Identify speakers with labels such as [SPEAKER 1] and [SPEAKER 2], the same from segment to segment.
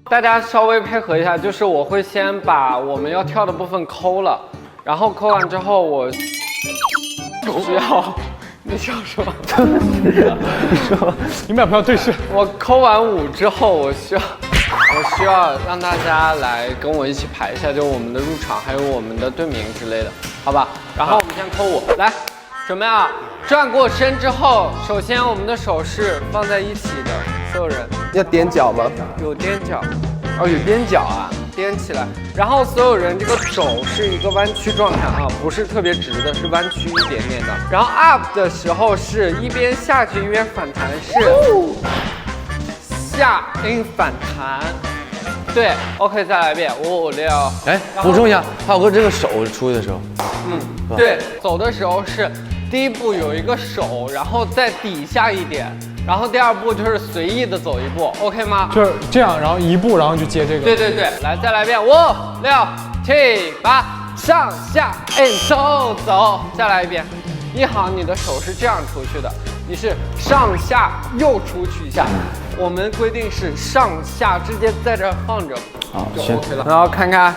[SPEAKER 1] 大家稍微配合一下，就是我会先把我们要跳的部分抠了，然后抠完之后我需要，你想说？
[SPEAKER 2] 你说，你们俩不要对视。
[SPEAKER 1] 我抠完舞之后，我需要让大家来跟我一起排一下，就我们的入场还有我们的队名之类的，好吧？然后我们先抠舞，来，准备啊！转过身之后，首先我们的手是放在一起的，所有人。
[SPEAKER 3] 要踮脚吗？
[SPEAKER 1] 有踮脚，哦，有踮脚啊，踮起来。然后所有人这个肘是一个弯曲状态啊，不是特别直的，是弯曲一点点的。然后 up 的时候是一边下去一边反弹，是下 in 反弹。对 ，OK， 再来一遍，5、6。
[SPEAKER 4] 哎，补充一下，浩哥这个手出去的时候，
[SPEAKER 1] 对，走的时候是第一步有一个手，然后再底下一点。 然后第二步就是随意的走一步 ，OK 吗？
[SPEAKER 2] 就是这样，然后一步，然后就接这个。
[SPEAKER 1] 对对对，来再来一遍，5、6、7、8，上下，哎，走走，再来一遍。一行你的手是这样出去的，你是上下又出去一下。我们规定是上下直接在这放着，就 OK 了。然后看看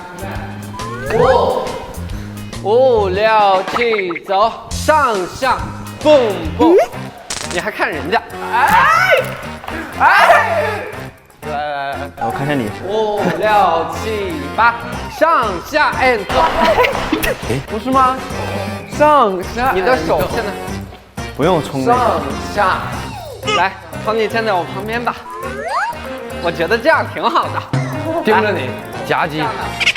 [SPEAKER 1] ，5、6、7，走，上下，蹦蹦。 你还看人家？来，
[SPEAKER 4] 我看看你。
[SPEAKER 1] 5、6、7、8，上下 and 走。哎，不是吗？上下，你的手现在
[SPEAKER 4] 不用冲。
[SPEAKER 1] 上下，来，从你站在我旁边吧。我觉得这样挺好的。
[SPEAKER 4] 盯着你，夹击。